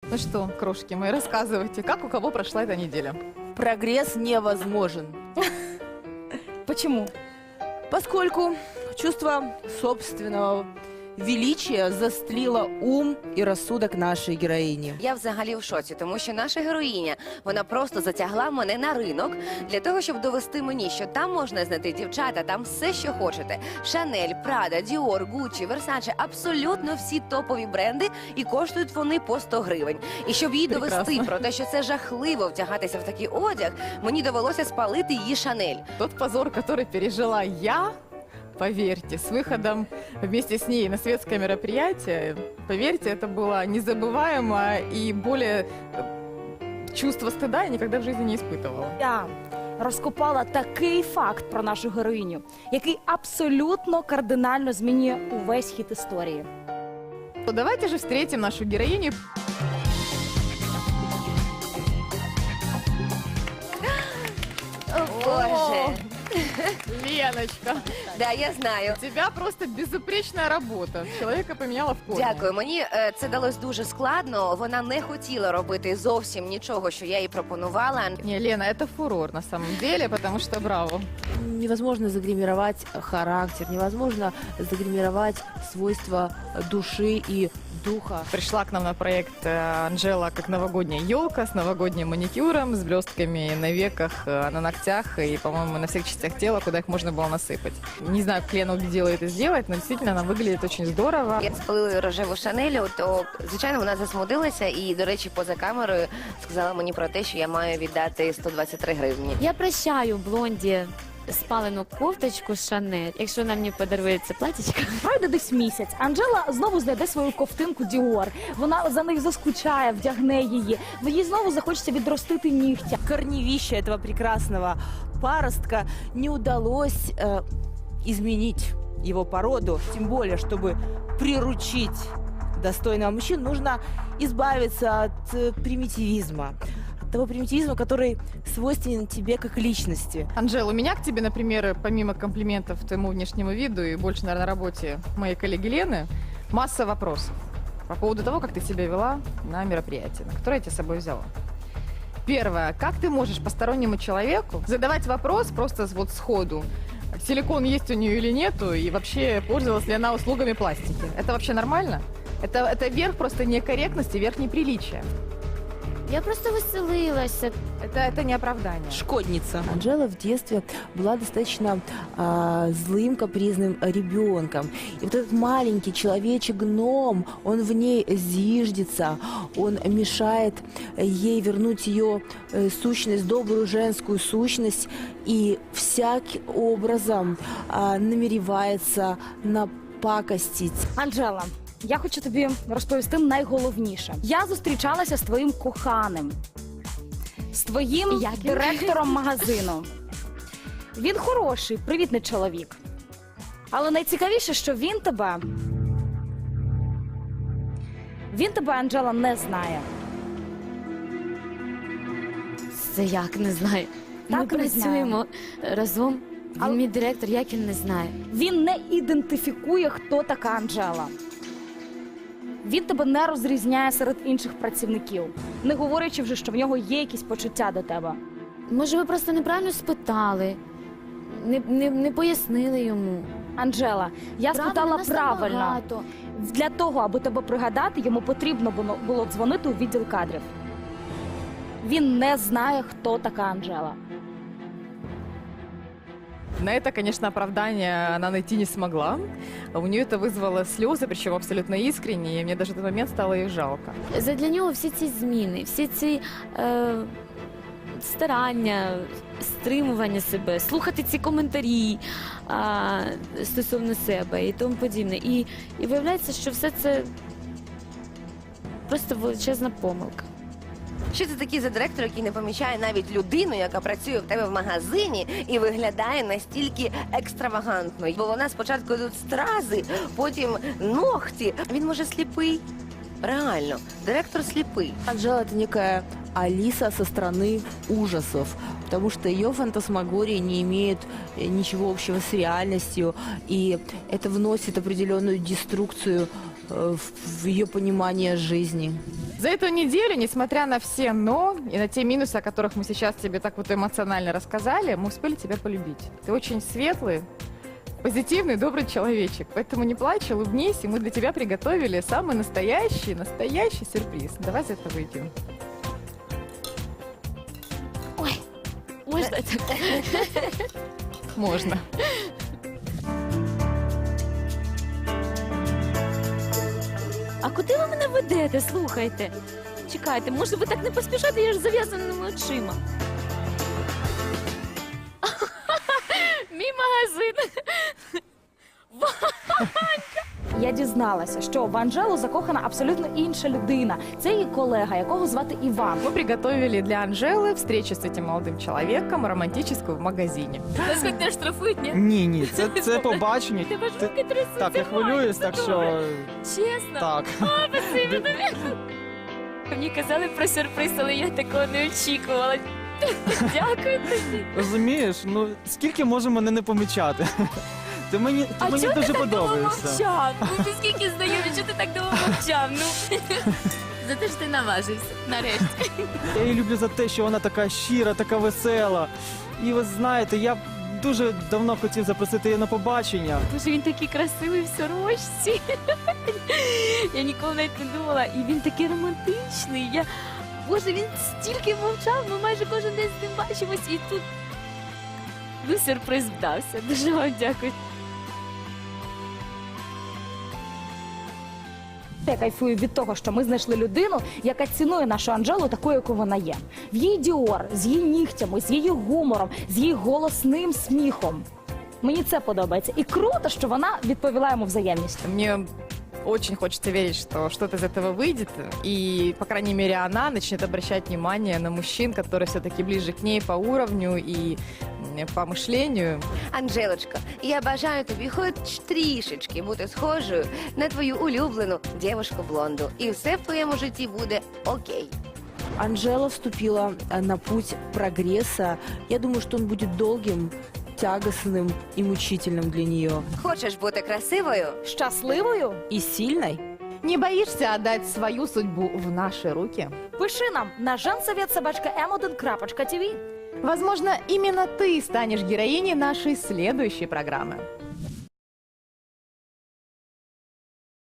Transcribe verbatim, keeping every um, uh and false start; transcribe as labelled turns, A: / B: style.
A: Ну что, крошки мои, рассказывайте, как у кого прошла эта неделя?
B: Прогресс невозможен,
C: Почему?
B: поскольку чувство собственного величия застлило ум і розсудок нашої героїні.
D: Я взагалі в шоці, тому що наша героїня, вона просто затягла мене на ринок для того, щоб довести мені, що там можна знайти дівчата, там все, що хочете. Шанель, Прада, Діор, Гуччі, Версаче, абсолютно всі топові бренди, і коштують вони по сто гривень. І щоб їй
A: Прекрасно.
D: довести про те, що це жахливо втягатися в такий одяг, мені довелося спалити її Шанель.
A: Тот позор, который пережила я, поверьте, с выходом вместе с ней на светское мероприятие, поверьте, это было незабываемо, и более э, чувство стыда я никогда в жизни не испытывала.
C: Я розкопала такий факт про нашу героїню, який абсолютно кардинально змінює увесь хід історії.
A: То давайте же встретим нашу героиню.
D: О, Боже!
A: Леночка,
D: Да, я знаю.
A: у тебя просто безупречная работа. Человека поменяла в корне.
D: Дякую. Мені е, це далось дуже складно. Вона не хотіла робити зовсім нічого, що я їй пропонувала.
A: Не, Лена, это фурор на самом деле, потому что браво.
B: Невозможно загримировать характер, невозможно загримировать свойства души и духа.
A: Пришла к нам на проект э, Анжела как новогодняя елка с новогодним маникюром, с блестками на веках, э, на ногтях и, по-моему, на всех частях тела, куда их можно было насыпать. Не знаю, как Лена убедила это сделать, но действительно она выглядит очень здорово.
D: Я спалила рожеву Шанелю, то, звичайно, вона засмутилася і, до речі, поза камерою сказала мені про те, що я маю віддати сто двадцять три гривні.
E: Я прощаю блонді спалену кофточку Шанель, якщо вона мені подарує це платічко.
C: Пройде десь місяць. Анжела знову знайде свою ковтинку Діор. Вона за нею заскучає, вдягне її. Їй знову захочеться відростити нігтя.
B: Корневища этого прекрасного паростка не удалось э, изменить его породу. Тем более, чтобы приручить достойного мужчину, нужно избавиться от э, примитивизма. От того примитивизма, который свойственен тебе как личности.
A: Анжела, у меня к тебе, например, помимо комплиментов твоему внешнему виду и больше, наверное, работе моей коллеги Лены, масса вопросов по поводу того, как ты себя вела на мероприятии, на которое я тебя с собой взяла. Первое. Как ты можешь постороннему человеку задавать вопрос просто вот сходу? Силикон есть у нее или нету? И вообще пользовалась ли она услугами пластики? Это вообще нормально? Это, это верх просто некорректности, верх неприличия.
E: Я просто веселилася.
A: Это, это не оправдание.
B: Шкодница. Анжела в детстве была достаточно а, злым, капризным ребенком. И вот этот маленький человечек-гном, он в ней зиждется, он мешает ей вернуть ее э, сущность, добрую женскую сущность, и всяким образом а, намеревается напакостить.
C: Анжела, я хочу тобі розповісти найголовніше. Я зустрічалася з твоїм коханим, з твоїм
E: Як він?
C: директором магазину. Він хороший, привітний чоловік. Але найцікавіше, що він тебе... Він тебе, Анжела, не знає.
E: Це як не знаю. Ми
C: Так, не
E: працюємо разом. Він
C: Але-
E: мій директор, як він не знає.
C: Він не ідентифікує, хто така Анжела. Він тебе не розрізняє серед інших працівників, не говорячи вже, що в нього є якісь почуття до тебе.
E: Може, ви просто неправильно спитали, не, не, не пояснили йому.
C: Анжела, я спитала
E: нас
C: правильно.
E: набагато.
C: Для того, аби тебе пригадати, йому потрібно було, було дзвонити у відділ кадрів. Він не знає, хто така Анжела.
A: На это, конечно, оправдание она найти не смогла. У нее это вызвало слезы, причем абсолютно искренние, и мне даже в тот момент стало ее жалко.
E: Задля нього всі ці зміни, всі ці е, старання, стримування себе, слухати ці коментарі е, стосовно себе і тому подібне. І, і виявляється, що все це просто величезна помилка.
D: Що це такий за директор, який не помічає навіть людину, яка працює в тебе в магазині і виглядає настільки екстравагантно? Бо вона спочатку тут стрази, потім ногті. Він може сліпий. Реально, директор сліпий.
B: Анжела — это некая Алиса со страны ужасов, потому что ее фантасмагория не имеет э, ничего общего с реальностью, и это вносит определенную деструкцию э, в, в ее понимание жизни.
A: За эту неделю, несмотря на все «но» и на те минусы, о которых мы сейчас тебе так вот эмоционально рассказали, мы успели тебя полюбить. Ты очень светлый, позитивный, добрый человечек. Поэтому не плачь, улыбнись, и мы для тебя приготовили самый настоящий, настоящий сюрприз. Давай за это выйдем.
E: Можна так?
A: Можно.
E: А куди ви мене ведете? Слухайте. Чекайте, може ви так не поспішаєте, я ж з зав'язаними очима. Мій магазин.
C: Я дізналася, що в Анжелу закохана абсолютно інша людина. Це її колега, якого звати Іван.
A: Мы приготовили для Анжелы встречу с этим молодым человеком романтическую в магазине.
E: Нас хоч не штрафують, ні?
F: Ні, ні, це, це побачення.
E: Тебе ж
F: Ти-
E: руки трясуться.
F: Так, я хвилююсь, так що
E: Чесно?
F: так.
E: Спасибі тобі. Мені казали про сюрприз, але я такого не очікувала. Дякую тобі.
F: Розумієш, ну скільки може мене не помічати? Ти мені, ти
E: А
F: мені
E: чого ти
F: дуже
E: так довго
F: подобаєшся.
E: мовчав? Ну, ти скільки знайомі, чого ти так довго мовчав? Ну, за те, що ти наважився, нарешті.
F: Я її люблю за те, що вона така щира, така весела. І ви знаєте, я дуже давно хотів запросити її на побачення.
E: Боже, він такий красивий в сорочці. Я ніколи навіть не думала. І він такий романтичний. Я... Боже, він стільки мовчав, ми майже кожен день з ним бачимось. І тут ну, сюрприз вдався. Дуже вам дякую.
C: Я кайфую від того, що ми знайшли людину, яка цінує нашу Анжелу такою, яку вона є. В її діор, з її нігтями, з її гумором, з її голосним сміхом. Мені це подобається. І круто, що вона відповіла йому взаємністю.
A: Мне очень хочется верить, что что-то из этого выйдет, и, по крайней мере, она начнет обращать внимание на мужчин, которые все-таки ближе к ней по уровню и м, по мышлению.
D: Анжелочко, я бажаю тобі хоч трішечки бути схожою на твою улюблену дівушку-блонду. І все в твоєму житті буде окей.
B: Анжела вступила э, на путь прогресса. Я думаю, что он будет долгим, тягостным и мучительным для нее.
D: Хочеш бути красивою?
C: Щасливою?
B: И сильной.
A: Не боишься отдать свою судьбу в наши руки?
C: Пиши нам на женсовет.собачка ем один крапочка ті ві.
A: Возможно, именно ты станешь героиней нашей следующей программы.